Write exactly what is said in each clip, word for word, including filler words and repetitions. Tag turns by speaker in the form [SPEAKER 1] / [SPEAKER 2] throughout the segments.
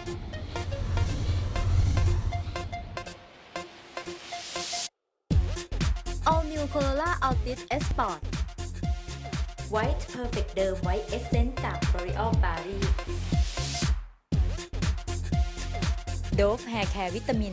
[SPEAKER 1] All New Corolla Altis S Sport
[SPEAKER 2] White Perfect เดิม White Essence จาก L'Oreal Paris Dove Hair Care วิตามิน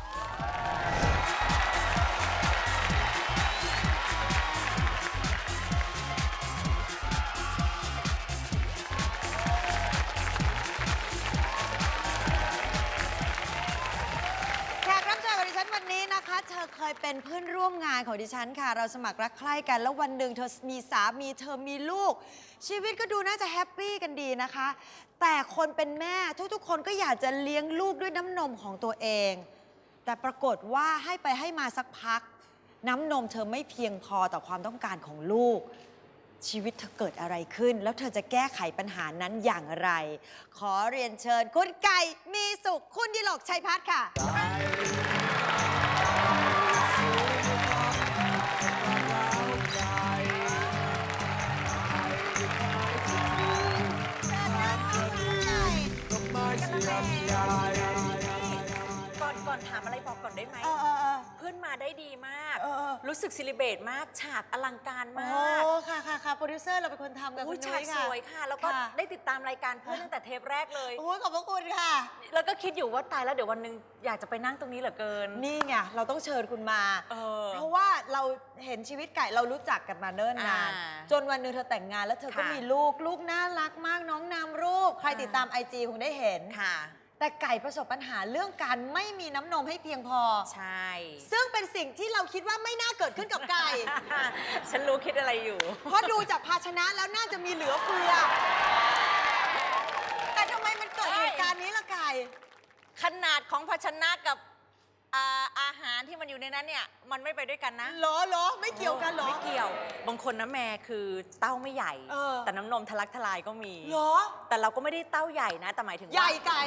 [SPEAKER 3] เธอเคยเป็นเพื่อนร่วมงานของดิฉันค่ะเราสมัครรักใคร่กันแล้ววันหนึ่งเธอมีสามีเธอมีลูกชีวิตก็ดูน่าจะแฮปปี้กันดีนะคะแต่คนเป็นแม่ทุกๆคนก็อยากจะเลี้ยงลูกด้วยน้ำนมของตัวเองแต่ปรากฏว่าให้ไปให้มาสักพักน้ำนมเธอไม่เพียงพอต่อความต้องการของลูกชีวิตเธอเกิดอะไรขึ้นแล้วเธอจะแก้ไขปัญหานั้นอย่างไรขอเรียนเชิญคุณไก่มีสุขคุณดิลกชัยพัฒน์ค่ะ
[SPEAKER 4] ก่อนก่อนถามอะไรบอกก่อนได้ไหม
[SPEAKER 3] เออเออเออ
[SPEAKER 4] เพื่อนมาได้ดีมาก
[SPEAKER 3] เออเออ
[SPEAKER 4] รู้สึกซิลิเบรตมากฉากอลังการมาก
[SPEAKER 3] โอ้ค่ะค่ะค่ะโปรดิวเซอร์เราเป็นคนทำกับ
[SPEAKER 4] อุ้
[SPEAKER 3] คุ
[SPEAKER 4] ย
[SPEAKER 3] ณ
[SPEAKER 4] ฉา
[SPEAKER 3] นุ้
[SPEAKER 4] ก
[SPEAKER 3] ย
[SPEAKER 4] ส
[SPEAKER 3] ค่ะ
[SPEAKER 4] วยค่ะ แล้วก็
[SPEAKER 3] ค่ะ
[SPEAKER 4] ได้ติดตามรายการเพื่อนตั้งแต่เทปแรกเลย
[SPEAKER 3] โอ้ยขอบพระคุณค่ะ
[SPEAKER 4] แล้วก็คิดอยู่ว่าตายแล้วเดี๋ยววันหนึงอยากจะไปนั่งตรงนี้เหลือเกิน
[SPEAKER 3] นี่ไงเราต้องเชิญคุณมา
[SPEAKER 4] เออ
[SPEAKER 3] เพราะว่าเราเห็นชีวิตไก่เรารู้จักกันมาเนิ่นนาน
[SPEAKER 4] อ่า
[SPEAKER 3] จนวันหนึ่งเธอแต่งงานแล้วเธอก็
[SPEAKER 4] ค่ะ
[SPEAKER 3] มีลูกลูกน่ารักมากน้องนามรูป ใคร
[SPEAKER 4] อ่า
[SPEAKER 3] ติดตามไอจีคงได้เห็น
[SPEAKER 4] ค่ะ
[SPEAKER 3] แต่ไก่ประสบปัญหาเรื่องการไม่มีน้ำนมให้เพียงพอ
[SPEAKER 4] ใช่
[SPEAKER 3] ซึ่งเป็นสิ่งที่เราคิดว่าไม่น่าเกิดขึ้นกับไก่
[SPEAKER 4] ฉันรู้คิดอะไรอยู่
[SPEAKER 3] เพราะดูจากภาชนะแล้วน่าจะมีเหลือเฟือ แต่ทำไมมันเกิดเหตุการณ์นี้ล่ะไก่
[SPEAKER 4] ขนาดของภาชนะกับอาอาหารที่มันอยู่ในนั้นเนี่ยมันไม่ไปด้วยกันนะ
[SPEAKER 3] เหรอเหรอไม่เกี่ยวกันเหรอ
[SPEAKER 4] ไม่เกี่ยว บางคนนะแม่คือเต้าไม่ใหญ่
[SPEAKER 3] เออ
[SPEAKER 4] แต่น้ำนมทะลักทลายก็มี
[SPEAKER 3] เหรอ
[SPEAKER 4] แต่เราก็ไม่ได้เต้าใหญ่นะแต่หมายถึงว่า
[SPEAKER 3] ใหญ่ไก่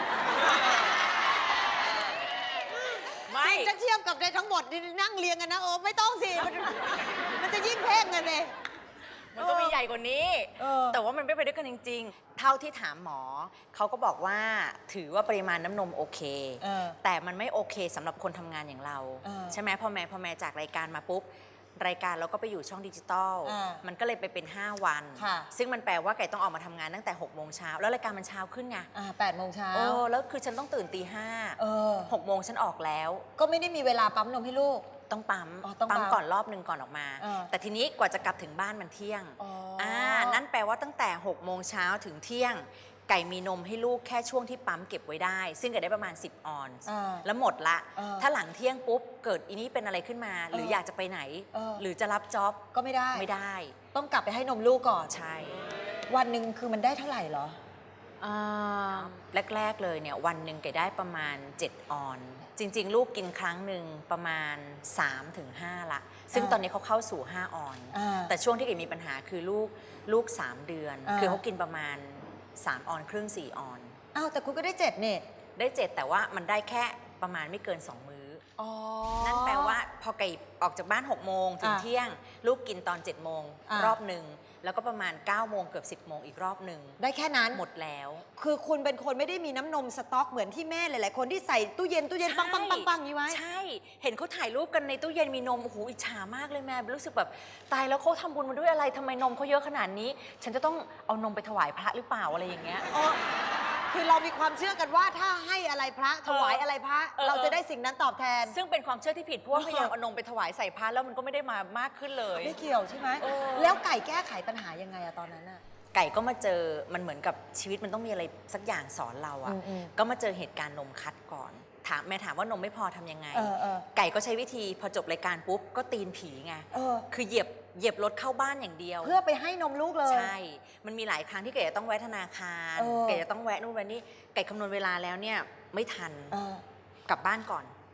[SPEAKER 4] ไม่
[SPEAKER 3] จะเทียบกับในทั้งหมดที่นั่งเรียงกันนะโอ้ไม่ต้องสิ มันมันจะยิ่งเพ่งกันเลย
[SPEAKER 4] มันก็มีใหญ่กว่านี้
[SPEAKER 3] เออ
[SPEAKER 4] แต่ว่ามันไม่ไปด้วยกันจริง ๆ เท่าที่ถามหมอ เขาก็บอกว่าถือว่าปริมาณน้ำนมโอเค
[SPEAKER 3] เออ
[SPEAKER 4] แต่มันไม่โอเคสำหรับคนทำงานอย่างเรา
[SPEAKER 3] เออ
[SPEAKER 4] ใช่ไหมพอแม่พอแม่จากรายการมาปุ๊บ รายการเราก็ไปอยู่ช่องดิจิตอล
[SPEAKER 3] อ่า
[SPEAKER 4] มันก็เลยไปเป็น ห้า วัน
[SPEAKER 3] ค่ะ
[SPEAKER 4] ซึ่งมันแปลว่าไก่ต้องออกมาทำงานตั้งแต่หกโมงเช้าแล้วรายการมันเช้าขึ้นไง
[SPEAKER 3] อ่าแปดโมงเช้า
[SPEAKER 4] โอ้แล้วคือฉันต้องตื่นตีห้า
[SPEAKER 3] เออ
[SPEAKER 4] หกโมงฉันออกแล้ว
[SPEAKER 3] ก็ไม่ได้มีเวลาปั๊มนมให้ลูก
[SPEAKER 4] ต้องปั๊ม
[SPEAKER 3] อ๋อต้องปั๊
[SPEAKER 4] ปั๊
[SPEAKER 3] ม
[SPEAKER 4] มก่อนรอบหนึ่งก่อนออกมา
[SPEAKER 3] เออ
[SPEAKER 4] แต่ทีนี้กว่าจะกลับถึงบ้านมันเที่ยง
[SPEAKER 3] อ๋ออ่
[SPEAKER 4] อ่านั่นแปลว่าตั้งแต่หกโมงเช้าถึงเที่ยง ไก่มีนมให้ลูกแค่ช่วงที่ปั๊มเก็บไว้ได้ ซึ่งเกิดได้ประมาณสิบออนซ์
[SPEAKER 3] อ่า
[SPEAKER 4] แล้วหมดละ
[SPEAKER 3] เออ
[SPEAKER 4] ถ้าหลังเที่ยงปุ๊บเกิดอีนี้เป็นอะไรขึ้นมา หรือ
[SPEAKER 3] เออ
[SPEAKER 4] อ
[SPEAKER 3] อ
[SPEAKER 4] ยากจะไปไหน
[SPEAKER 3] เออ
[SPEAKER 4] หรือจะรับจ็อบ
[SPEAKER 3] ก็ไม่ได้
[SPEAKER 4] ไม่ได้
[SPEAKER 3] ต้องกลับไปให้นมลูกก่อน
[SPEAKER 4] ใช่
[SPEAKER 3] วันหนึ่งคือมันได้เท่าไหร่เหรอ
[SPEAKER 4] อ่าแรก ๆ เลยเนี่ยวันหนึ่งไก่ได้ประมาณเจ็ดออนซ์จริง ๆ ลูกกินครั้งหนึ่งประมาณ สามถึงห้า ละ ซึ่ง
[SPEAKER 3] อ่า
[SPEAKER 4] ตอนนี้เขาเข้าสู่ ห้า ออนซ์
[SPEAKER 3] อ่า
[SPEAKER 4] แต่ช่วงที่ไก่มีปัญหาคือลูกลูก สาม เดือน
[SPEAKER 3] อ่า
[SPEAKER 4] คือเขากินประมาณ สาม ออนซ์ครึ่ง สี่ ออนซ์
[SPEAKER 3] อ้าวแต่คุณก็ได้เจ็ดเนี่ย
[SPEAKER 4] ได้เจ็ดแต่ว่ามันได้แค่ประมาณไม่เกิน สอง มื้อ
[SPEAKER 3] อ๋อ
[SPEAKER 4] นั่นแปลว่าพอไก่ออกจากบ้าน หก โมงถึง
[SPEAKER 3] อ่า
[SPEAKER 4] เที่ยง ลูกกินตอน เจ็ด โมง
[SPEAKER 3] อ่าร
[SPEAKER 4] อบหนึ่งแล้วก็ประมาณ เก้า โมงเกือบ สิบ โมงอีกรอบหนึ่ง
[SPEAKER 3] ได้แค่นั้น
[SPEAKER 4] หมดแล้ว
[SPEAKER 3] คือคุณเป็นคนไม่ได้มีน้ำนมสต็อกเหมือนที่แม่หลายๆคนที่ใส่ตู้เย็นตู้เย็นปังปังปังปังนี้ไว้
[SPEAKER 4] ใช่ เห็นเขาถ่ายรูปกันในตู้เย็นมีนม โอ้โห อิจฉามากเลยแม่ รู้สึกแบบตายแล้วเขาทำบุญมาด้วยอะไรทำไมนมเขาเยอะขนาดนี้ ฉันจะต้องเอานมไปถวายพระหรือเปล่าอะไรอย่างเงี้ย
[SPEAKER 3] อ๋อ คือเรามีความเชื่อกันว่าถ้าให้อะไรพระถวายอะไรพระ
[SPEAKER 4] เออ
[SPEAKER 3] เราจะได้สิ่งนั้นตอบแทน
[SPEAKER 4] ซึ่งเป็นความเชื่อที่ผิดเพราะว่าพยายามเอานมไปถวายใส่พระแล้วมันก็ไม่ได้มามากขึ้นเลย
[SPEAKER 3] ไม่เกี่ยวใช่ไหม
[SPEAKER 4] เออ
[SPEAKER 3] แล้วไก่แก้ไขปัญหายังไงอะตอนนั้นอะ
[SPEAKER 4] ไก่ก็มาเจอมันเหมือนกับชีวิตมันต้องมีอะไรสักอย่างสอนเราอะ
[SPEAKER 3] อืมๆ
[SPEAKER 4] ก็มาเจอเหตุการณ์นมคัดก่อน ถามแม่ถามว่านมไม่พอทำยังไง
[SPEAKER 3] เออเออ
[SPEAKER 4] ไก่ก็ใช้วิธีพอจบรายการปุ๊บก็ตีนผีไง
[SPEAKER 3] เออ
[SPEAKER 4] คือเหยียบเหยียบรถเข้าบ้านอย่างเดียว
[SPEAKER 3] เพื่อไปให้นมลูกเลย
[SPEAKER 4] ใช่ มันมีหลายครั้งที่ไก่จะต้องแวะธนาคาร
[SPEAKER 3] เออ
[SPEAKER 4] ไก่จะต้องแวะนู่นแวะนี่ไก่คำนวณเวลาแล้วเนี่ยไม่ทัน
[SPEAKER 3] เออก
[SPEAKER 4] ลับบ้านก่อน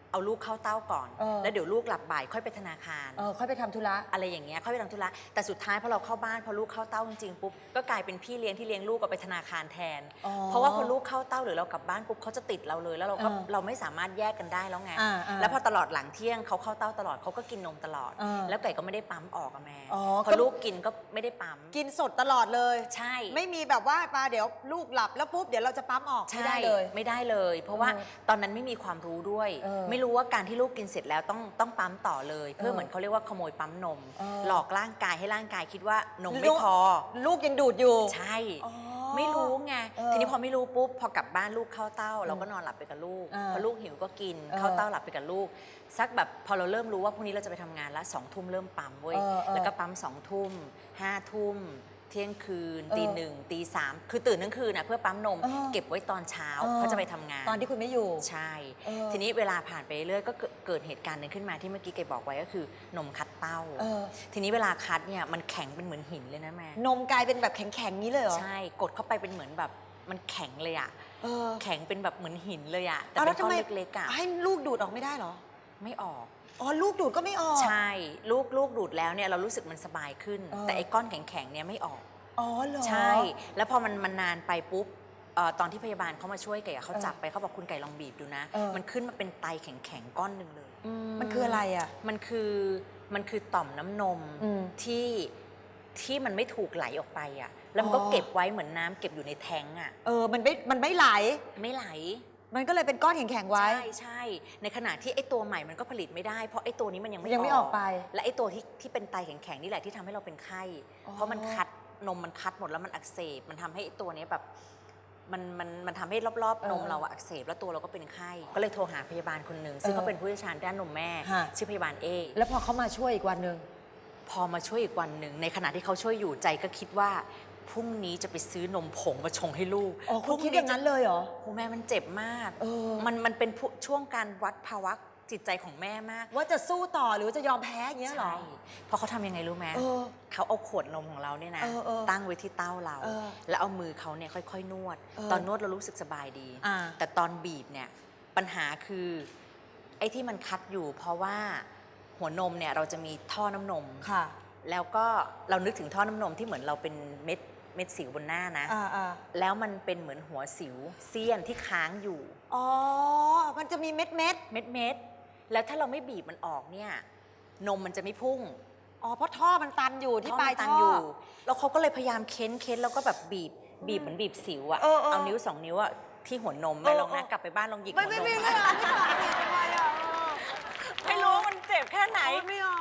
[SPEAKER 4] เอาลูกเข้าเต้าก่อน
[SPEAKER 3] เออ
[SPEAKER 4] แล้วเดี๋ยวลูกหลับบ่ายค่อยไปธนาคาร
[SPEAKER 3] เออค่อยไปทำธุระ
[SPEAKER 4] อะไรอย่างเงี้ยค่อยไปทำธุระแต่สุดท้ายพอเราเข้าบ้านพอลูกเข้าเต้าจริงๆปุ๊บก็กลายเป็นพี่เลี้ยงที่เลี้ยงลูกก็ไปธนาคารแทน
[SPEAKER 3] อ๋อ
[SPEAKER 4] เพราะว่าพอลูกเข้าเต้าหรือเรากลับบ้านปุ๊บเขาจะติดเราเลยแล้วเราก็
[SPEAKER 3] เออ
[SPEAKER 4] เราไม่สามารถแยกกันได้แล้วไง
[SPEAKER 3] อ่าอ่า
[SPEAKER 4] แล้วพอตลอดหลังเที่ยงเขาเข้าเต้าตลอดเขาก็กินนมตลอด
[SPEAKER 3] เออ
[SPEAKER 4] แล้วไก่ก็ไม่ได้ปั๊มออกอะแม่
[SPEAKER 3] อ๋อ
[SPEAKER 4] พอ
[SPEAKER 3] ก็
[SPEAKER 4] ลูกกินก็ไม่ได้ปั๊ม
[SPEAKER 3] กินสดตลอดเลย
[SPEAKER 4] ใช่
[SPEAKER 3] ไม่มีแบบว่าปาเดี๋ยวลูกหลับแล้วปุ๊บเดี๋ยวเราจะปั๊มออกไม่ได้เลย
[SPEAKER 4] ไม่ได้เลย เพราะว่า
[SPEAKER 3] เออ
[SPEAKER 4] ตอนนั้นไม่มีความรู้ด้วย
[SPEAKER 3] เออ
[SPEAKER 4] ไม่รู้ว่าการที่ลูกกินเสร็จแล้วต้องต้องปั๊มต่อเลย เพื่อ
[SPEAKER 3] เออ
[SPEAKER 4] เหมือนเขาเรียกว่าขโมยปั๊มนม
[SPEAKER 3] เออ
[SPEAKER 4] หลอกร่างกายให้ร่างกายคิดว่านม
[SPEAKER 3] ลู
[SPEAKER 4] ไม่
[SPEAKER 3] ก
[SPEAKER 4] พอ
[SPEAKER 3] ลูกยังดูดอยู่
[SPEAKER 4] ใช่
[SPEAKER 3] อ๋อ
[SPEAKER 4] ไม่รู้ไง
[SPEAKER 3] เออ
[SPEAKER 4] ทีนี้พอไม่รู้ปุ๊บพอกลับบ้านลูกเข้าเต้า เราก็นอนหลับไปกับลูก
[SPEAKER 3] เออ
[SPEAKER 4] พอลูกหิวก็กิน
[SPEAKER 3] เออ
[SPEAKER 4] เข้าเต้าหลับไปกับลูกสักแบบพอเราเริ่มรู้ว่าพรุ่งนี้เราจะไปทำงานแล้วสองทุ่มเริ่มปั๊มเว้ย
[SPEAKER 3] เออเออ
[SPEAKER 4] แล้วก็ปั๊มสองทุ่มห้าทุ่มเที่ยงคืน
[SPEAKER 3] เออ
[SPEAKER 4] ตีหนึ่งตีสามคือตื่นทั้งคืนนะเพื่อปั๊มนม
[SPEAKER 3] เออ
[SPEAKER 4] เก็บไว้ตอนเช้า
[SPEAKER 3] เออ
[SPEAKER 4] เพราะจะไปทำงาน
[SPEAKER 3] ตอนที่คุณไม่อยู่
[SPEAKER 4] ใช่
[SPEAKER 3] เออ
[SPEAKER 4] ทีนี้เวลาผ่านไปเรื่อยก็เกิดเกิดเหตุการณ์หนึ่งขึ้นมาที่เมื่อกี้เกบอกไว้ก็คือนมคัดเต้า
[SPEAKER 3] เออ
[SPEAKER 4] ทีนี้เวลาคัดเนี่ยมันแข็งเป็นเหมือนหินเลยนะแม่
[SPEAKER 3] นมกลายเป็นแบบแข็งๆนี้เลยเหรอ
[SPEAKER 4] ใช่กดเข้าไปเป็นเหมือนแบบมันแข็งเลยอะ
[SPEAKER 3] เออ
[SPEAKER 4] แข็งเป็นแบบเหมือนหินเลยอะแต่
[SPEAKER 3] เอา
[SPEAKER 4] เป็
[SPEAKER 3] แล้ว
[SPEAKER 4] นก้อน
[SPEAKER 3] ทำไม
[SPEAKER 4] เล็กๆอะ
[SPEAKER 3] ให้ลูกดูดออกไม่ได้เหรอ
[SPEAKER 4] ไม่ออก
[SPEAKER 3] อ๋อลูกดูดก็ไม่ออก
[SPEAKER 4] ใช่ลูกลูกดูดแล้วเนี่ยเรารู้สึกมันสบายขึ้น
[SPEAKER 3] เออ
[SPEAKER 4] แต่ไอ้ก้อนแข็งๆเนี่ยไม่ออก
[SPEAKER 3] อ๋อเหรอ
[SPEAKER 4] ใช่ แล้วพอมันมันนานไปปุ๊บเอ่อตอนที่พยาบาลเขามาช่วยไก่อะเขา
[SPEAKER 3] เออ
[SPEAKER 4] จับไปเขาบอกคุณไก่ลองบีบดูนะ
[SPEAKER 3] เออ
[SPEAKER 4] มันขึ้นมาเป็นไตแข็งๆก้อนหนึ่งเลย
[SPEAKER 3] มันคืออะไรอ่ะ
[SPEAKER 4] มันคือมันคือต่อมน้ำนม
[SPEAKER 3] อืม
[SPEAKER 4] ที่ที่มันไม่ถูกไหลออกไปอ่ะแล้วมันก็
[SPEAKER 3] อ๋อ
[SPEAKER 4] เก็บไว้เหมือนน้ำเก็บอยู่ในแทงอ่ะ
[SPEAKER 3] เออมันไม่มันไม่ไหล
[SPEAKER 4] ไม่ไหล
[SPEAKER 3] มันก็เลยเป็นก้อนแข็งๆไว้
[SPEAKER 4] ใช่ใช่ในขณะที่ไอ้ตัวใหม่มันก็ผลิตไม่ได้เพราะไอ้ตัวนี้มันยังไม่
[SPEAKER 3] ยังไม่ออกไป
[SPEAKER 4] และไอ้ตัวที่ที่เป็นไตแข็งๆนี่แหละที่ทำให้เราเป็นไข้
[SPEAKER 3] อ๋อ
[SPEAKER 4] เพราะมันคัดนมมันคัดหมดแล้วมันอักเสบมันทำให้ไอ้ตัวนี้แบบมันมันมันทำให้รอบๆนมเราอะอักเสบแล้วตัวเราก็เป็นไข้ก็เลยโทรหาพยาบาลคนหนึ่งซึ่งเขาเป็นผู้เชี่ยวชาญด้านนมแม่
[SPEAKER 3] ฮะ
[SPEAKER 4] ชื่อพยาบาลเอ
[SPEAKER 3] แล้วพอเขามาช่วยอีกวันหนึ่ง
[SPEAKER 4] พอมาช่วยอีกวันหนึ่งในขณะที่เขาช่วยอยู่ใจก็คิดว่าพรุ่งนี้จะไปซื้อนมผงมาชงให้ลูก
[SPEAKER 3] อ๋อคุณ
[SPEAKER 4] พรุ่
[SPEAKER 3] คิดอย่างนั้นเลยเหรอ
[SPEAKER 4] โอ้แม่มันเจ็บมาก
[SPEAKER 3] เออ
[SPEAKER 4] มันมันเป็นผู้ช่วงการวัดภาวะจิตใจของแม่มาก
[SPEAKER 3] ว่าจะสู้ต่อหรือว่าจะยอมแพ้อย่างเงี้ยเหรอ
[SPEAKER 4] ใช่เพราะเขาทำยังไงรู้ไหม
[SPEAKER 3] เออ
[SPEAKER 4] เขาเอาขวดนมของเราเนี่ยนะ
[SPEAKER 3] เออเออ
[SPEAKER 4] ตั้งไว้ที่เต้าเรา
[SPEAKER 3] เออ
[SPEAKER 4] แล้วเอามือเขาเนี่ยค่อยๆนวด
[SPEAKER 3] เออ
[SPEAKER 4] ตอนนวดเรารู้สึกสบายดี
[SPEAKER 3] อ่า
[SPEAKER 4] แต่ตอนบีบเนี่ยปัญหาคือไอ้ที่มันคัดอยู่ เพราะว่าหัวนมเนี่ยเราจะมีท่อน้ำนม
[SPEAKER 3] ค่ะ
[SPEAKER 4] แล้วก็เรานึกถึงท่อน้ำนมที่เหมือนเราเป็นเม็ดเม็ดสิวบนหน้านะ
[SPEAKER 3] อ่าอ่า
[SPEAKER 4] แล้วมันเป็นเหมือนหัวสิวเสี้ยนที่ค้างอยู่
[SPEAKER 3] อ๋อ มันจะมีเม็ดเม็ด
[SPEAKER 4] เม็ดเม็ดๆแล้วถ้าเราไม่บีบมันออกเนี่ยนมมันจะไม่พุ่ง
[SPEAKER 3] อ๋อ เพราะท่อมันตันอยู่ที่ปลาย
[SPEAKER 4] ตั
[SPEAKER 3] ท่อ
[SPEAKER 4] อยู่แล้วเขาก็เลยพยายามเค้นเค้นแล้วก็แบบบีบบีบเหมือนบีบสิวอะ
[SPEAKER 3] เออเออ
[SPEAKER 4] เอานิ้วสองนิ้วอะที่หัวนม
[SPEAKER 3] เอ
[SPEAKER 4] ไม่
[SPEAKER 3] อ
[SPEAKER 4] ลองนะ
[SPEAKER 3] เออ
[SPEAKER 4] กลับไปบ้านลองหยิกหั
[SPEAKER 3] ไม่
[SPEAKER 4] วน
[SPEAKER 3] ไม่
[SPEAKER 4] ม
[SPEAKER 3] ไม่ไม่เอาไม่เอาไม่ทำไมอ่ะ
[SPEAKER 4] ไม่รู้ว่ามันเจ็บแค่ไหน
[SPEAKER 3] ไม่เอา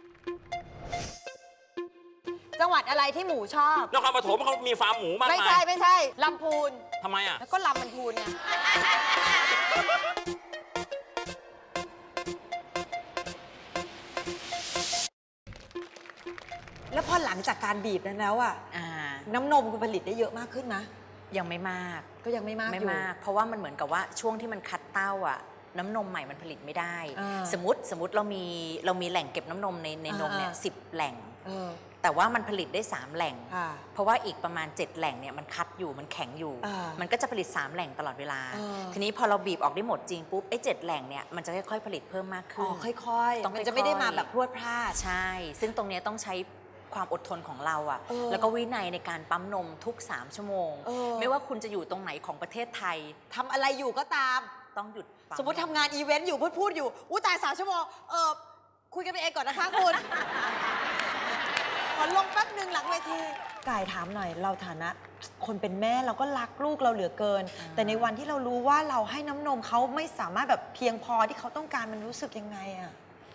[SPEAKER 3] จังหวัดอะไรที่หมูชอบ
[SPEAKER 5] นครปฐมเขามีฟาร์มหมูมาก
[SPEAKER 3] ไม่
[SPEAKER 5] มา
[SPEAKER 3] ใช่
[SPEAKER 5] ย
[SPEAKER 3] ไม่ใช่ลำพูน
[SPEAKER 5] ทำไมอ่ะ
[SPEAKER 3] แล้วก็ลำมันพูนไง แล้วพอหลังจากการบีบนั้นแล้วอะ
[SPEAKER 4] อ่า
[SPEAKER 3] น้ำนมคุณผลิตได้เยอะมากขึ้นนะ
[SPEAKER 4] ยังไม่มาก
[SPEAKER 3] ก็ยังไม่มาก
[SPEAKER 4] ไม่
[SPEAKER 3] อยู่
[SPEAKER 4] มาก เพราะว่ามันเหมือนกับว่าช่วงที่มันคัดเต้าอะน้ำนมใหม่มันผลิตไม่ได้
[SPEAKER 3] อ่า
[SPEAKER 4] สมมติสมมติเรามีเรามีแหล่งเก็บน้ำนมในในนมเนี่ย
[SPEAKER 3] อ่า
[SPEAKER 4] สิบแหล่ง
[SPEAKER 3] เออ
[SPEAKER 4] แต่ว่ามันผลิตได้สามแหล่ง
[SPEAKER 3] ค่ะ
[SPEAKER 4] เพราะว่าอีกประมาณเจ็ดแหล่งเนี่ยมันคัดอยู่มันแข็งอยู่
[SPEAKER 3] อ่ามั
[SPEAKER 4] มันก็จะผลิตสามแหล่งตลอดเวลา
[SPEAKER 3] อ่า
[SPEAKER 4] ทีนี้พอเราบีบออกได้หมดจริงปุ๊บไอ้เจ็ดแหล่งเนี่ยมันจะค่อยๆผลิตเพิ่มมาก
[SPEAKER 3] อ๋
[SPEAKER 4] ขึ้
[SPEAKER 3] อน ค่อยๆ
[SPEAKER 4] ต้อง
[SPEAKER 3] มันจะไม่ได้
[SPEAKER 4] ค่อยๆ
[SPEAKER 3] มาแบบพรวดพลาด
[SPEAKER 4] ใช่ ซึ่งตรงเนี้ยต้องใช้ความอดทนของเราอะ
[SPEAKER 3] เออ
[SPEAKER 4] แล้วก็วินัยในการปั๊มนมทุกสามชั่วโมง
[SPEAKER 3] เออ
[SPEAKER 4] ไม่ว่าคุณจะอยู่ตรงไหนของประเทศไทย
[SPEAKER 3] ทำอะไรอยู่ก็ตาม
[SPEAKER 4] ต้องหยุดปั๊
[SPEAKER 3] สมมติทำงานอีเวนต์อยู่พูดพูดอยู่อู้ตายสามชั่วโมง เออคุยกันไปเองก่อนนะคะคุณ ขอลงแป๊บหนึ่งหลังเวทีกายถามหน่อยเราฐานะ คนเป็นแม่เราก็รักลูกเราเหลือเกิน แต่ในวันที่เรารู้ว่าเราให้น้ำนมเขาไม่สามารถแบบเพียงพอที่เขาต้องการมันรู้สึกยังไงอะ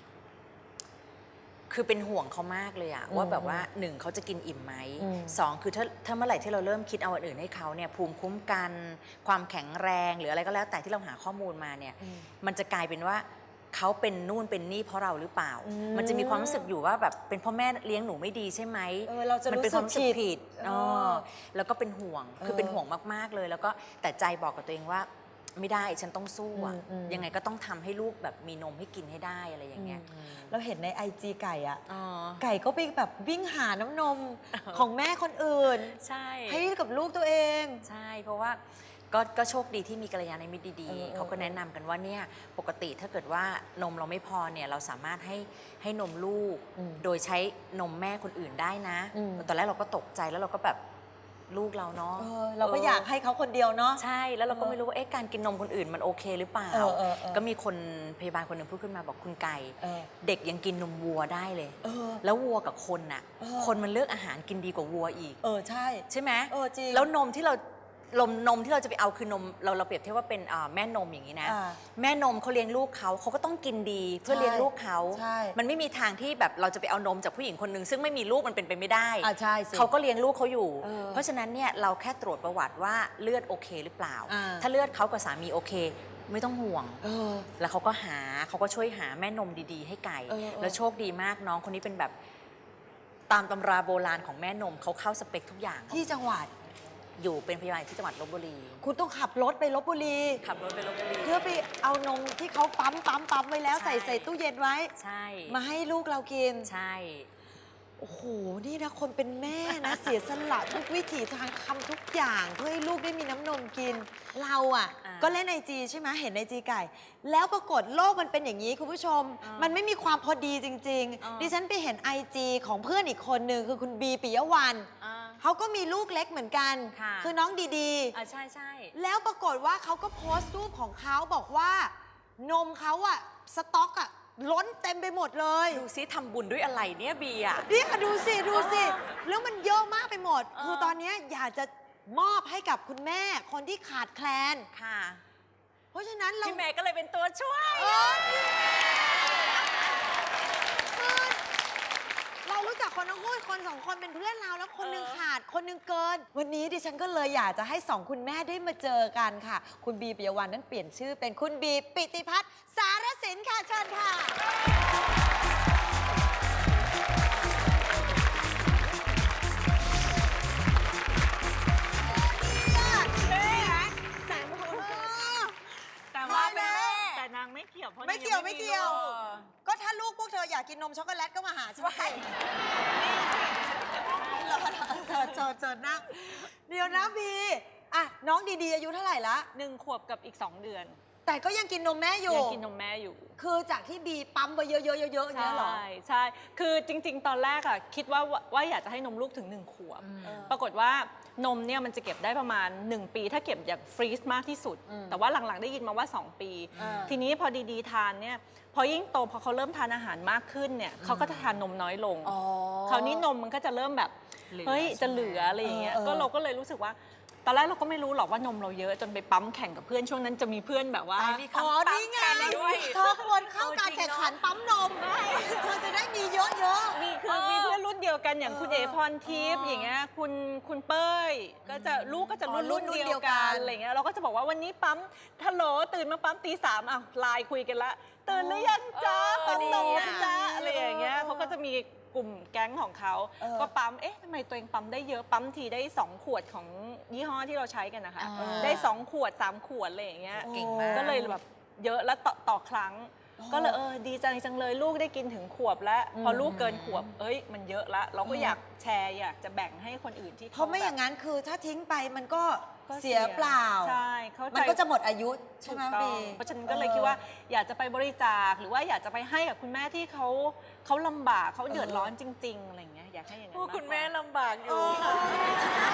[SPEAKER 4] คือเป็นห่วงเขามากเลยอะ
[SPEAKER 3] อืม
[SPEAKER 4] ว่าแบบว่าหนึ่งเขาจะกินอิ่มไหม
[SPEAKER 3] อืม
[SPEAKER 4] สองคือถ้าถ้าเมื่อไหร่ที่เราเริ่มคิดเอาอันอื่นให้เขาเนี่ยภูมิคุ้มกัน ความแข็งแรงหรืออะไรก็แล้วแต่ที่เราหาข้อมูลมาเนี่ย
[SPEAKER 3] อืม
[SPEAKER 4] มันจะกลายเป็นว่าเขาเป็นนู่นเป็นนี่เพราะเราหรือเปล่า
[SPEAKER 3] อืม
[SPEAKER 4] มันจะมีความรู้สึกอยู่ว่าแบบเป็นพ่อแม่เลี้ยงหนูไม่ดีใช่ไหม
[SPEAKER 3] เออเราจะ
[SPEAKER 4] มันเป็นความรู้สึก
[SPEAKER 3] รู้สึกผิ
[SPEAKER 4] ผิ
[SPEAKER 3] ด
[SPEAKER 4] ด
[SPEAKER 3] เออ
[SPEAKER 4] อ๋อแล้วก็เป็นห่วงคือ
[SPEAKER 3] เออ
[SPEAKER 4] เป็นห่วงมากๆเลย แล้วก็แต่ใจบอกกับตัวเองว่าไม่ได้ฉันต้องสู้อะ
[SPEAKER 3] อืมอืม
[SPEAKER 4] ยังไงก็ต้องทำให้ลูกแบบมีนมให้กินให้ได้อะไรอย่างเงี้ย
[SPEAKER 3] เราเห็นในไอจีไก่อะ
[SPEAKER 4] อ๋อ
[SPEAKER 3] ไก่ก็ไปแบบวิ่งหาน้ำนมของแม่คนอื่น
[SPEAKER 4] ใช่
[SPEAKER 3] ให้กับลูกตัวเอง
[SPEAKER 4] ใช่ เพราะว่าก็ก็โชคดีที่มีกัลยาณมิตรดี
[SPEAKER 3] เออเออ
[SPEAKER 4] ๆเขาก็แนะนำกันว่าเนี่ยปกติถ้าเกิดว่านมเราไม่พอเนี่ยเราสามารถให้ให้นมลูก
[SPEAKER 3] อืม
[SPEAKER 4] โดยใช้นมแม่คนอื่นได้นะ
[SPEAKER 3] อืม
[SPEAKER 4] ตอนแรกเราก็ตกใจแล้วเราก็แบบลูกเราเนาะ
[SPEAKER 3] เออเราก็อยากให้เขาคนเดียวเนาะ
[SPEAKER 4] ใช่แล้วเราก็
[SPEAKER 3] เออ
[SPEAKER 4] ไม่รู้ว่าเอ๊ะการกินนมคนอื่นมันโอเคหรือเปล่า
[SPEAKER 3] เออเออเออ
[SPEAKER 4] ก็มีคนพยาบาลคนหนึ่งพูดขึ้นมาบอกคุณไก่
[SPEAKER 3] เออ
[SPEAKER 4] เด็กยังกินนมวัวได้เลย
[SPEAKER 3] เออ
[SPEAKER 4] แล้ววัวกับคนน่ะ
[SPEAKER 3] เออ
[SPEAKER 4] คนมันเลือกอาหารกินดีกว่าวัวอีก
[SPEAKER 3] เออใช่
[SPEAKER 4] ใช่ไหม
[SPEAKER 3] เออจริง
[SPEAKER 4] แล้วนมที่เราลมนมที่เราจะไปเอาคือนมเราเราเปรียบเทียบว่าเป็นอ่าแม่นมอย่างนี้นะ
[SPEAKER 3] อ่า
[SPEAKER 4] แม่นมเขาเลี้ยงลูกเขาเขาก็ต้องกินดีเพื่อ
[SPEAKER 3] ใช่
[SPEAKER 4] เลี้ยงลูกเขา
[SPEAKER 3] ใช่
[SPEAKER 4] มันไม่มีทางที่แบบเราจะไปเอานมจากผู้หญิงคนหนึ่งซึ่งไม่มีลูกมันเป็นไปไม่ได้
[SPEAKER 3] อ่าใช่สิ
[SPEAKER 4] เขาก็เลี้ยงลูกเขาอยู่
[SPEAKER 3] เออ
[SPEAKER 4] เพราะฉะนั้นเนี่ยเราแค่ตรวจประวัติว่าเลือดโอเคหรือเปล่า
[SPEAKER 3] อ่า
[SPEAKER 4] ถ้าเลือดเขากับสามีโอเค ไม่ต้องห่วง
[SPEAKER 3] เออ
[SPEAKER 4] แล้วเขาก็หาเขาก็ช่วยหาแม่นมดีๆ ให้ไก่
[SPEAKER 3] เออเออ
[SPEAKER 4] แล้วโชคดีมากน้องคนนี้เป็นแบบตามตำราโบราณของแม่นมเขาเข้าสเปคทุกอย่าง
[SPEAKER 3] ที่จังหวัด
[SPEAKER 4] อยู่เป็นพยาบาลที่จังหวัดลบบุรี
[SPEAKER 3] คุณต้องขับรถไปลบบุรี
[SPEAKER 4] ขับรถไปลบบุรี
[SPEAKER 3] เพื่อไปเอานมที่เขาปั๊มปั๊มปั๊มไว้แล้ว
[SPEAKER 4] ใช่
[SPEAKER 3] ใส่ใส่ตู้เย็นไว้
[SPEAKER 4] ใช่
[SPEAKER 3] มาให้ลูกเรากิน
[SPEAKER 4] ใช่
[SPEAKER 3] โอ้โห นี่นะคนเป็นแม่นะ เสียสละทุกวิถีทางทำทุกอย่างเพื่อให้ลูกได้มีน้ำนมกิน เราอ่ะ
[SPEAKER 4] อ่า
[SPEAKER 3] ก็เล่นไอจีใช่ไหมเห็นไอจีไก่ แล้วปรากฏโลกมันเป็นอย่างนี้คุณผู้ชม
[SPEAKER 4] อ่ามั
[SPEAKER 3] มันไม่มีความพอดีจริง
[SPEAKER 4] อ่า
[SPEAKER 3] ๆ ดิฉันไปเห็นไอจีของเพื่อนอีกคนหนึ่งคือคุณบีปิยวรรณ
[SPEAKER 4] อ่า
[SPEAKER 3] เขาก็มีลูกเล็กเหมือนกัน
[SPEAKER 4] ค่ะ
[SPEAKER 3] อน้องดี
[SPEAKER 4] อ่าใช่ใช่
[SPEAKER 3] ๆ แล้วปรากฏว่าเขาก็โพสต์รูปของเขาบอกว่า นมเขาอะสต็อกอะล้นเต็มไปหมดเลย
[SPEAKER 4] ดูซิทำบุญด้วยอะไรเนี่ยเบียร์
[SPEAKER 3] เนี่ยดูสิ ดูสิ
[SPEAKER 4] เออ
[SPEAKER 3] แล้วมันเยอะมากไปหมด
[SPEAKER 4] เออ
[SPEAKER 3] คือตอนเนี้ยอยากจะมอบให้กับคุณแม่คนที่ขาดแคลน
[SPEAKER 4] ค่ะ
[SPEAKER 3] เพราะฉะนั้นเรา
[SPEAKER 4] พี่เมย์ก็เลยเป็นตัวช่วย
[SPEAKER 3] เออคือเรารู้จักคนทั้งคู่คนสองคนเป็นเพื่อนเราแล้วคนหนึง
[SPEAKER 4] เออ
[SPEAKER 3] ขาดคนหนึงเกิน วันนี้ดิฉันก็เลยอยากจะให้สองคุณแม่ได้มาเจอกันค่ะ คุณบีปิยวรรณนั้นเปลี่ยนชื่อเป็นคุณบีปิติพัฒน์สารสินค่ะเชิญค่ะ
[SPEAKER 5] แต่ว่า
[SPEAKER 3] มาแล้ว
[SPEAKER 5] แต่นางไม่เกี่ยวเพราะ
[SPEAKER 3] ไม่เกี่ยว
[SPEAKER 5] นางง
[SPEAKER 3] ไม่เกี่ยว
[SPEAKER 5] ลูก
[SPEAKER 3] ก็ถ้าลูกพวกเธออยากกินนมช็อกโกแลตก็มาหาฉันสิรอเชิญเชิญเชิญนั่งเดี๋ยวนะบีอ่ะน้องดีๆอายุเท่าไหร่ละ
[SPEAKER 5] หนึ่งขวบกับอีกสองเดือน
[SPEAKER 3] แต่ก็ยังกินนมแม่อยู่
[SPEAKER 5] ยังกินนมแม่อยู่
[SPEAKER 3] คือจากที่บีปั๊มไปเยอะๆๆๆอย่างเงี้ยเหรอ
[SPEAKER 5] ใช่ใช่คือจริง ๆ ตอนแรกอะคิดว่าว่าอยากจะให้นมลูกถึงหนึ่งขวบ
[SPEAKER 3] เออ
[SPEAKER 5] ปรากฏว่านมเนี่ยมันจะเก็บได้ประมาณ หนึ่ง ปี ถ้าเก็บอย่างฟรีซมากที่สุด
[SPEAKER 3] อืม
[SPEAKER 5] แต่ว่าหลังๆได้ยินมาว่า สอง ปี
[SPEAKER 3] อ่า
[SPEAKER 5] ทีนี้พอดีๆทานเนี่ยพอยิ่งโตพอเขาเริ่มทานอาหารมากขึ้นเนี่ยเขาก็จะทานนมน้อยลง
[SPEAKER 3] อ๋อ
[SPEAKER 5] คราวนี้นมมันก็จะเริ่มแบบ
[SPEAKER 4] เหลือ
[SPEAKER 5] เฮ้ย
[SPEAKER 4] ใช่ไหม
[SPEAKER 5] จะเหลืออะไรอย่างเงี้ย
[SPEAKER 3] เออเออ
[SPEAKER 5] ก็เราก็เลยรู้สึกว่า ตอนแรกเราก็ไม่รู้หรอกว่านมเราเยอะจนไปปั๊มแข่งกับเพื่อนช่วงนั้นจะมีเพื่อนแบบว่า
[SPEAKER 4] อ่ามี
[SPEAKER 3] อ๋อ
[SPEAKER 4] คำปั๊ม
[SPEAKER 3] นี่ไง
[SPEAKER 4] แข่งด้วย
[SPEAKER 3] เธอควรเข้า
[SPEAKER 4] เออ
[SPEAKER 3] การ
[SPEAKER 4] จริง
[SPEAKER 3] แข่ง
[SPEAKER 4] เนอะ
[SPEAKER 3] ขันปั๊มนมเธอจะได้มีเยอะๆ
[SPEAKER 5] มีคือ
[SPEAKER 4] เออ
[SPEAKER 5] มีเพื่อนรุ่นเดียวกันอย่าง
[SPEAKER 3] เออ
[SPEAKER 5] คุณเอพรทิพย์
[SPEAKER 3] อ๋อ
[SPEAKER 5] อย่างเงี้ยคุณคุณเป้ยก็จะลูกก็จะ
[SPEAKER 3] อ๋อ
[SPEAKER 5] รุ่น
[SPEAKER 3] รุ่
[SPEAKER 5] รุ่
[SPEAKER 3] น
[SPEAKER 5] น
[SPEAKER 3] เดี
[SPEAKER 5] เดี
[SPEAKER 3] ย
[SPEAKER 5] ยว ว
[SPEAKER 3] กั
[SPEAKER 5] กัน นอะไรเงี้ยเราก็จะบอกว่าวันนี้ปั๊มทัลโหลตื่นมาปั๊มตีสามอ่ะไลน์คุยกันละตื่นหรือยังจ๊ะ
[SPEAKER 4] เออ
[SPEAKER 5] ปั๊มนม
[SPEAKER 4] ดี
[SPEAKER 5] กั
[SPEAKER 4] อะ
[SPEAKER 5] นจ้าอะไรอย่างเงี้ย
[SPEAKER 3] เออ
[SPEAKER 5] เขาก็จะมีกลุ่มแก๊งของเขา
[SPEAKER 3] เออ
[SPEAKER 5] ก็ปั๊มเอ๊ะทำไมตัวเองปั๊มได้เยอะปั๊มทีได้สองขวดของยี่ห้อที่เราใช้กันนะคะ
[SPEAKER 3] เออ
[SPEAKER 5] ได้สองขวดสามขวดอะไรอย่างเงี้ย
[SPEAKER 4] เก่งมาก
[SPEAKER 5] ก็เลยแบบเยอะแล้วต่อต่อครั้ง
[SPEAKER 3] อ๋อ
[SPEAKER 5] ก็เลยเออดีจังจังเลยลูกได้กินถึงขวบแล้ว
[SPEAKER 3] อืม
[SPEAKER 5] พอลูกเกินขวบเอ้ยมันเยอะละเราก็
[SPEAKER 3] เออ
[SPEAKER 5] อ
[SPEAKER 3] อ
[SPEAKER 5] ยากแชร์อยากจะแบ่งให้คนอื่นที่
[SPEAKER 3] เพราะไม่อย่าง
[SPEAKER 5] แบบ
[SPEAKER 3] นั้นคือถ้าทิ้งไปมันก็
[SPEAKER 5] ก็
[SPEAKER 3] เสียเปล่า
[SPEAKER 5] ใช่เข้าใจ
[SPEAKER 3] มันก็จะหมดอายุใช่
[SPEAKER 5] ถู
[SPEAKER 3] ไหม
[SPEAKER 5] กต้อ
[SPEAKER 3] บี
[SPEAKER 5] งเพราะฉะนั้นก็เลยคิดว่าอยากจะไปบริจาคหรือว่าอยากจะไปให้กับคุณแม่ที่เขาเขาลำบากเขาเดือดร้อนจริง ๆอะไรอย่างเงี้ยอยากให้อย่างนั้น
[SPEAKER 4] พูด
[SPEAKER 5] มากกว่า
[SPEAKER 4] คุณแม่ลำบากอ
[SPEAKER 3] เอยู่ อ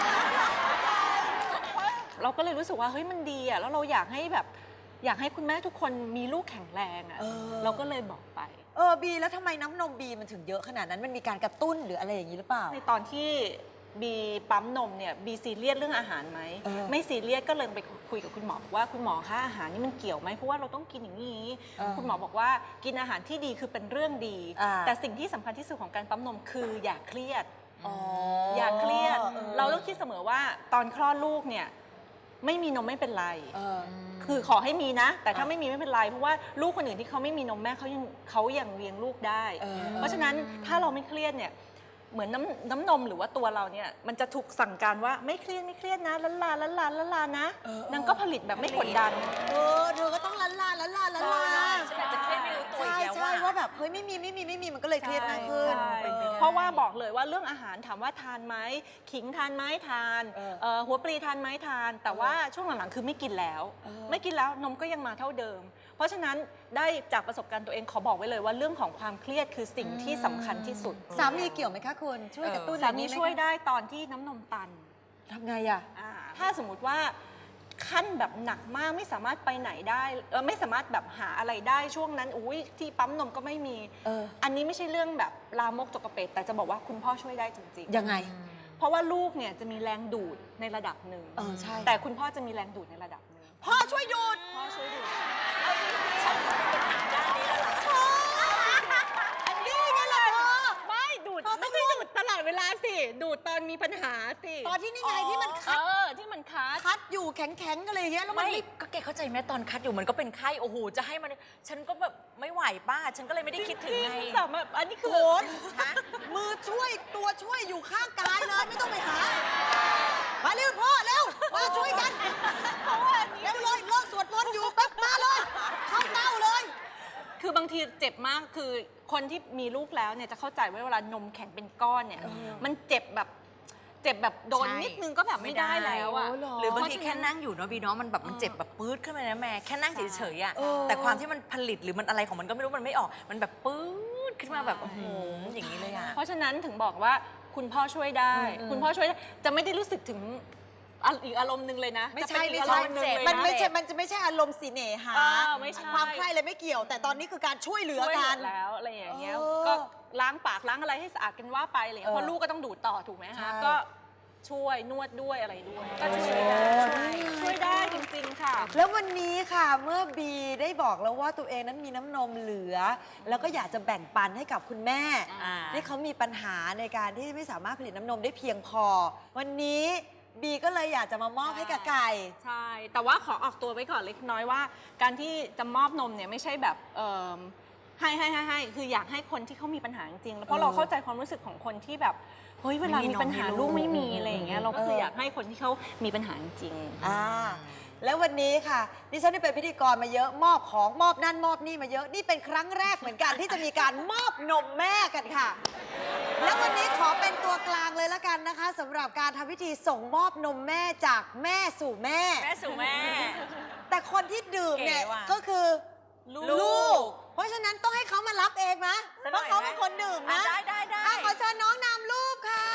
[SPEAKER 5] เราก็เลยรู้สึกว่าเฮ้ยมันดีอ่ะแล้วเราอยากให้แบบอยากให้คุณแม่ทุกคนมีลูกแข็งแรงอ่ะ
[SPEAKER 3] เออ
[SPEAKER 5] เราก็เลยบอกไป
[SPEAKER 3] เออบีแล้วทำไมน้ำนมบีมันถึงเยอะขนาดนั้นมันมีการกระตุ้นหรืออะไรอย่างนี้หรือเปล่า
[SPEAKER 5] ในตอนที่บีปั๊มนมเนี่ยบีซีเรียสเรื่องอาหารไหม
[SPEAKER 3] เออ
[SPEAKER 5] ไม่ซีเรียสก็เลยไปคุยกับคุณหมอบอกว่าคุณหมอคะอาหารนี่มันเกี่ยวไหมเพราะว่าเราต้องกินอย่างนี้
[SPEAKER 3] เออ
[SPEAKER 5] คุณหมอบอกว่ากินอาหารที่ดีคือเป็นเรื่องดี
[SPEAKER 3] อ่า
[SPEAKER 5] แต่สิ่งที่สำคัญที่สุดของการปั๊มนมคืออย่าเครียด
[SPEAKER 3] อ๋อ
[SPEAKER 5] อย่าเครียด
[SPEAKER 3] ออ
[SPEAKER 5] เราต้องคิดเสมอว่าตอนคลอดลูกเนี่ยไม่มีนมไม่เป็นไร
[SPEAKER 3] เออ
[SPEAKER 5] คือขอให้มีนะ แต่ถ้า
[SPEAKER 3] อ่ะ
[SPEAKER 5] ไม่มีไม่เป็นไรเพราะว่าลูกคนอื่นที่เขาไม่มีนมแม่เขายังเขายังเลี้ยงลูกได้
[SPEAKER 3] เออ
[SPEAKER 5] เพราะฉะนั้นถ้าเราไม่เครียดเนี่ยเหมือนน้ำน้ำนมหรือว่าตัวเราเนี่ยมันจะถูกสั่งการว่าไม่เครียดไม่เครียดนะลันลาลันลาลันลานะนางก็ผลิตแบบไม่กดดัน
[SPEAKER 3] เออเธอก็ต้องลันลาลันลาลันลา
[SPEAKER 4] ฉันอาจจะเครียดไม่รู้ตัว
[SPEAKER 3] ใช่
[SPEAKER 4] อีกแล้ว
[SPEAKER 3] ใช่
[SPEAKER 4] ว่า
[SPEAKER 3] ว่าแบบเฮ้ยไม่มีไม่มีไม่มีมันก็เลยเครียดมากขึ้น
[SPEAKER 5] ใช่
[SPEAKER 4] เป็นไปได้
[SPEAKER 5] เพราะว่าบอกเลยว่าเรื่องอาหารถามว่าทานไหมขิงทานไหมทาน
[SPEAKER 3] เออ
[SPEAKER 5] เอ่อหัวปลีทานไหมทาน แต่ว่าช่วงหลังๆคือไม่กินแล้ว
[SPEAKER 3] เออ
[SPEAKER 5] ไม่กินแล้วนมก็ยังมาเท่าเดิม เพราะฉะนั้นได้จากประสบการณ์ตัวเองขอบอกไว้เลยว่าเรื่องของความเครียดคือสิ่งที่สำคัญที่สุด
[SPEAKER 3] สามีเกี่ยวไหมคะคุณช่วยกระตุ้น
[SPEAKER 5] สา
[SPEAKER 3] อะไร
[SPEAKER 5] มี
[SPEAKER 3] นี้ไห
[SPEAKER 5] ช่วยได้ตอนที่น้ำนมตัน
[SPEAKER 3] ทำไงอ่ะ
[SPEAKER 5] อ่าถ้าสมมุติว่าขั้นแบบหนักมากไม่สามารถไปไหนได้เออไม่สามารถแบบหาอะไรได้ช่วงนั้นอุ้ยที่ปั๊มนมก็ไม่มี
[SPEAKER 3] เออ
[SPEAKER 5] อันนี้ไม่ใช่เรื่องแบบลามกจกกระเปดแต่จะบอกว่าคุณพ่อช่วยได้จริงๆ
[SPEAKER 3] ยังไง
[SPEAKER 5] เพราะว่าลูกเนี่ยจะมีแรงดูดในระดับหนึ่ง
[SPEAKER 3] เออใช่
[SPEAKER 5] แต่คุณพ่อจะมีแรงดูดในระดับหนึ่ง
[SPEAKER 3] พ่อช่วยดูด
[SPEAKER 5] พ่อช่วยดูด
[SPEAKER 3] นี่ไงล่ะเธอ
[SPEAKER 5] ไม่ดูด
[SPEAKER 3] พ่อต้อง
[SPEAKER 5] ไม่ใช่ดูดตลอดเวลาสิดูดตอนมีปัญหาสิ
[SPEAKER 3] ตอนที่นี่ไงที่มัน
[SPEAKER 5] เอ
[SPEAKER 3] คัด
[SPEAKER 5] อที่มันคัด
[SPEAKER 3] คัดอยู่แข็งๆกันเลยางเงี้ยแล้วมัน
[SPEAKER 4] ไม่
[SPEAKER 3] ไม่
[SPEAKER 4] ก็แกเข้าใจไหมตอนคัดอยู่มันก็เป็นไข้โอ้โหจะให้มันฉันก็แบบไม่ไหวป้าฉันก็เลยไม่ได้คิดถึงไง
[SPEAKER 5] สามารถอันนี้คือ
[SPEAKER 3] โขนมือช่วยตัวช่วยอยู่ข้างกายเลยไม่ต้องไปหา มาเร็วพ่อเร็วมาช่วยกันเร็วเลยเลิกสวดมนต์อยู่ปั๊บมาเลย เข้าเต้าเลย
[SPEAKER 5] คือบางทีเจ็บมากคือคนที่มีลูกแล้วเนี่ยจะเข้าใจว่าเวลานมแข็งเป็นก้อนเนี่ยมันเจ็บแบบเจ็บแบบโดน
[SPEAKER 4] ใช่
[SPEAKER 5] นิดนึงก็แบบไม่ได้แล้วอะ
[SPEAKER 3] โอ้เหรอ
[SPEAKER 4] หรือบางทีแค่นั่งอยู่เนาะบีเนาะมันแบบมันเจ็บแบบปื๊ดขึ้นมานะแม่แค่นั่งเฉยๆอ่ะ
[SPEAKER 3] เออ
[SPEAKER 4] แต่ความที่มันผลิตหรือมันอะไรของมันก็ไม่รู้มันไม่ออก มันแบบปื๊ดขึ้นมาแบบโอ้โหอย่างนี้เลยอ่ะ
[SPEAKER 5] เพราะฉะนั้นถึงบอกว่าคุณพ่อช่วยได้ คุณพ่อช่วยได้จะไม่ได้รู้สึกถึงอ่ะอีกอารมณ์หนึ่งเลยนะ
[SPEAKER 3] ไม่
[SPEAKER 5] จะ
[SPEAKER 3] ใช่
[SPEAKER 5] เป็นอี
[SPEAKER 3] ไม่
[SPEAKER 5] ก
[SPEAKER 3] ใช่
[SPEAKER 5] อารมณ์หนึ่งเลย
[SPEAKER 3] มัน
[SPEAKER 5] นะ
[SPEAKER 3] ไม่ใช่ มันจะไม่ใช่อารมณ์สีเนหา
[SPEAKER 5] เออไม่ใช่
[SPEAKER 3] ความใคร่เลยไม่เกี่ยว แต่ตอนนี้คือการช่วยเหลือ
[SPEAKER 5] ช่วย
[SPEAKER 3] กัน
[SPEAKER 5] แล้วอะไรอย่างเงี้ย
[SPEAKER 3] เออ
[SPEAKER 5] ก็ล้างปากล้างอะไรให้สะอาดกันว่าไปอะไรอย่างเงี้ย
[SPEAKER 3] เออ
[SPEAKER 5] เพราะลูกก็ต้องดูดต่อถูกไหม
[SPEAKER 3] ใช่
[SPEAKER 5] คะก็ช่วยนวดด้วยอะไรด้วย
[SPEAKER 4] ก็จะช่วยได้
[SPEAKER 5] ช่วยได้จริงๆค่ะ
[SPEAKER 3] แล้ววันนี้ค่ะเมื่อบีได้บอกแล้วว่าตัวเองนั้นมีน้ำนมเหลือ แล้วก็อยากจะแบ่งปันให้กับคุณแม่
[SPEAKER 4] อ่า
[SPEAKER 3] ที่เขามีปัญหาในการที่ไม่สามารถผลิตน้ำนมได้เพียงพอ วันนี้บีก็เลยอยากจะมามอบให้กับไก่
[SPEAKER 5] ใช่ แต่ว่าขอออกตัวไว้ก่อนเล็กน้อยว่า การที่จะมอบนมเนี่ยไม่ใช่แบบเอิ่มให้ให้ให้ให้คืออยากให้คนที่เขามีปัญหาจริงๆแล้วเพราะเราเข้าใจความรู้สึกของคนที่แบบเฮ้ยเวลามีปัญหาลูกไม่มีอะไรอย่างเงี้ยเราก็คืออยากให้คนที่เขามีปัญหาจริง
[SPEAKER 3] อ่าแล้ววันนี้ค่ะดิฉันได้เป็นพิธีกรมาเยอะมอบของมอบนั่นมอบนี่มาเยอะนี่เป็นครั้งแรกเหมือนกัน ที่จะมีการมอบนมแม่กันค่ะ แล้ววันนี้ขอเป็นตัวกลางเลยละกันนะคะสำหรับการทำพิธีส่งมอบนมแม่จากแม่สู่แม่
[SPEAKER 4] แม่สู่แม่
[SPEAKER 3] แต่คนที่ดื่มเนี่ย
[SPEAKER 4] เก๋ว่ะ
[SPEAKER 3] ก็คือ
[SPEAKER 4] ลูก
[SPEAKER 3] เพราะฉะนั้นต้องให้เขามารับเองนะ
[SPEAKER 4] สัก
[SPEAKER 3] เพ
[SPEAKER 4] หน่
[SPEAKER 3] ราะ
[SPEAKER 4] อย
[SPEAKER 3] เขา
[SPEAKER 4] ไหม
[SPEAKER 3] เป็นคนดื่มนะ
[SPEAKER 4] อ่ะได้ได้ได้
[SPEAKER 3] อ่ะขอเชิญน้องนำลูกค่ะ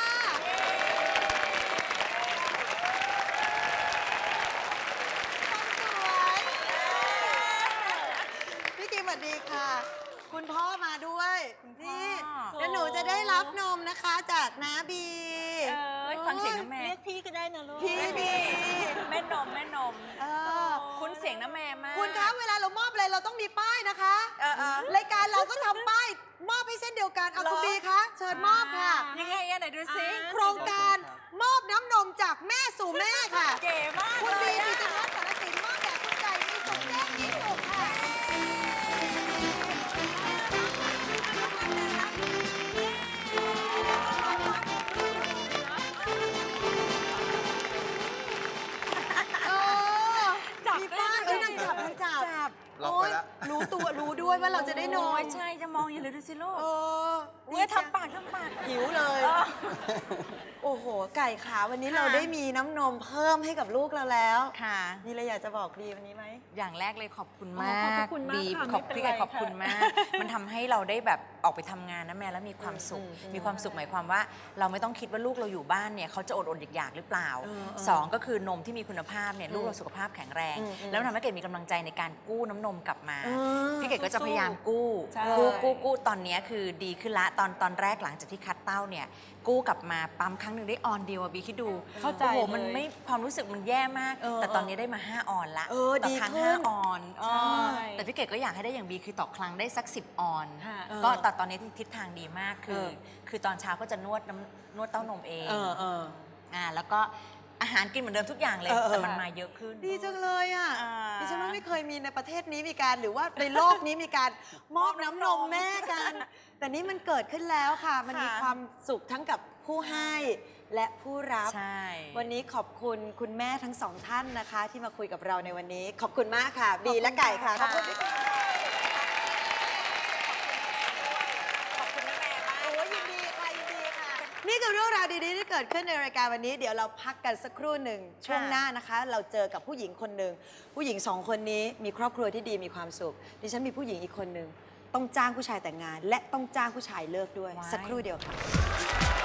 [SPEAKER 3] พี่กิมสวัสดีค่ะ คุณพ่อมาด้วยนี่
[SPEAKER 4] พ่อ
[SPEAKER 3] แล้วหนูจะได้รับนมนะคะจากน้าบี
[SPEAKER 5] ๆ
[SPEAKER 4] เอ้ยฟังเสียงน้ำแม่
[SPEAKER 5] เรียกพี่ก็ได้นะลูก
[SPEAKER 3] พี่บี
[SPEAKER 4] แม่นมแม่นม
[SPEAKER 3] เออ
[SPEAKER 4] คุณเสียงน้ำแม่มาก
[SPEAKER 3] คุณคะเวลาเรามอบอะไรเราต้องมีป้ายนะคะ
[SPEAKER 4] เออเออ
[SPEAKER 3] รายการเราก็ทำป้ายมอบให้เส้นเดียวกันเอา
[SPEAKER 4] เหรอ
[SPEAKER 3] คุณบีคะเชิญมอบค่ะ
[SPEAKER 4] ยังไงอะไหนดูซิ
[SPEAKER 3] โครงการมอบน้ำนมจากแม่สู่แม่ค่ะ
[SPEAKER 4] เก๋มาก
[SPEAKER 3] คุณ
[SPEAKER 4] เล
[SPEAKER 3] บี
[SPEAKER 4] ย
[SPEAKER 3] ปิ
[SPEAKER 4] อะ
[SPEAKER 3] ติพัฒน์สารสินมอบแด่คุณไก่มีสุขแจ้งมีสุขค่ะเออ
[SPEAKER 5] จับ
[SPEAKER 3] มีป้ายเอ้ยนางจับนางจับ
[SPEAKER 6] ล็อกไว้แล้ว
[SPEAKER 3] โอ๊ยรู้ตัวรู้ด้วยว่าเราจะได้นอ
[SPEAKER 4] โอ้
[SPEAKER 3] น
[SPEAKER 4] ยใช่จะมองอยู่เลยดูสิลูก
[SPEAKER 3] เออ
[SPEAKER 4] เว้ยทำปากทำปาก
[SPEAKER 3] หิวเลย
[SPEAKER 4] เออ
[SPEAKER 3] โอ้โห ไก่ขาวันนี้
[SPEAKER 4] ค่ะ
[SPEAKER 3] เราได้มีน้ำนมเพิ่มให้กับลูกเราแล้ว
[SPEAKER 4] ค่ะ
[SPEAKER 3] มีอะไรอยากจะบอกบีวันนี้ไหม
[SPEAKER 4] อย่างแรกเลยขอบคุณ
[SPEAKER 5] อ๋
[SPEAKER 4] มา
[SPEAKER 5] อขอบพระ
[SPEAKER 4] ก
[SPEAKER 5] คุณมาก
[SPEAKER 4] บี
[SPEAKER 5] ค่ะ
[SPEAKER 4] ขอบ
[SPEAKER 5] ไม่เป็น
[SPEAKER 4] พี่ไก่
[SPEAKER 5] ไร
[SPEAKER 4] ขอบคุณ
[SPEAKER 5] ค่ะ
[SPEAKER 4] มาก มันทำให้เราได้แบบออกไปทำงานนะแม่แล้วมีความสุข
[SPEAKER 3] อืมอืม
[SPEAKER 4] มีความสุขหมายความว่า เราไม่ต้องคิดว่าลูกเราอยู่บ้านเนี่ยเขาจะอดอดอยากๆหรือเปล่า
[SPEAKER 3] เออเออ
[SPEAKER 4] สองก็คือนมที่มีคุณภาพเนี่ยลูกเราสุขภาพแข็งแรง
[SPEAKER 3] อืมอืม
[SPEAKER 4] แล้วมันทำให้เกดมีกำลังใจในการกู้น้ำนมกลับมา
[SPEAKER 3] เออ
[SPEAKER 4] พี่เกดก็จะพยายามกู้
[SPEAKER 5] ใช่
[SPEAKER 4] กู้กู้กู้ตอนเนี้ยคือดีขึ้นละตอนตอนแรกหลังจากที่คัดเต้าเนี่ยกู้กลับมาปั๊มครั้งหนึ่งได้ออนเดียวอะบีคิดดู
[SPEAKER 5] เข้าใจ
[SPEAKER 4] โอ้โห
[SPEAKER 5] เลย
[SPEAKER 4] มันไม่ความรู้สึกมันแย่มาก
[SPEAKER 3] เออ
[SPEAKER 4] แต่ตอนนี้ได้มาห้าออนละ
[SPEAKER 3] เออ
[SPEAKER 4] ต่
[SPEAKER 3] ดี
[SPEAKER 4] ครั้ง
[SPEAKER 3] ขึ้
[SPEAKER 4] ห้าน ออน
[SPEAKER 5] ใช่
[SPEAKER 4] แต่พี่เกดก็อยากให้ได้อย่างบีคือต่อครั้งได้สักสิบออน
[SPEAKER 5] ค่ะ
[SPEAKER 4] ก็แต่ตอนนี้ทิศทางดีมากคือ
[SPEAKER 3] เออ
[SPEAKER 4] คือตอนเช้าก็จะนวดน้ำนวดเต้านมเอง
[SPEAKER 3] เออเออ
[SPEAKER 4] อ่าแล้วก็อาหารกินเหมือนเดิมทุกอย่างเลย
[SPEAKER 3] เออเออ
[SPEAKER 4] แต่มันมาเยอะขึ้น
[SPEAKER 3] ดีจังเลยอ่ะ
[SPEAKER 4] อ่า
[SPEAKER 3] ดิฉันว่าไม่เคยเคยมีในประเทศนี้มีการหรือว่าในโลกนี้มีการมอบน้ำนมแม่กัน แต่นี่มันเกิดขึ้นแล้วค่ะ มันมีความสุขทั้งกับผู้ให้และผู้รับ
[SPEAKER 4] ใช่
[SPEAKER 3] วันนี้ขอบคุณคุณแม่ทั้งสองท่านนะคะ ที่มาคุยกับเราในวันนี้ ขอบคุณมากค่ะ บีและไก่ค่ะขอบคุณค่ะขอบคุณแม่มากโอ้ยยินดีค่ะยินดีค่ะ นี่คือเรื่องราวดีๆที่เกิดขึ้นในรายการวันนี้ เดี๋ยวเราพักกันสักครู่หนึ่งช่วงหน้านะคะ เราเจอกับผู้หญิงคนหนึ่งผู้หญิงสองคนนี้มีครอบครัวที่ดีมีความสุขดิฉันมีผู้หญิงอีกคนหนึ่งต้องจ้างผู้ชายแต่งงาน และต้องจ้างผู้ชายเลิกด้วย สักครู่เดียวค่ะ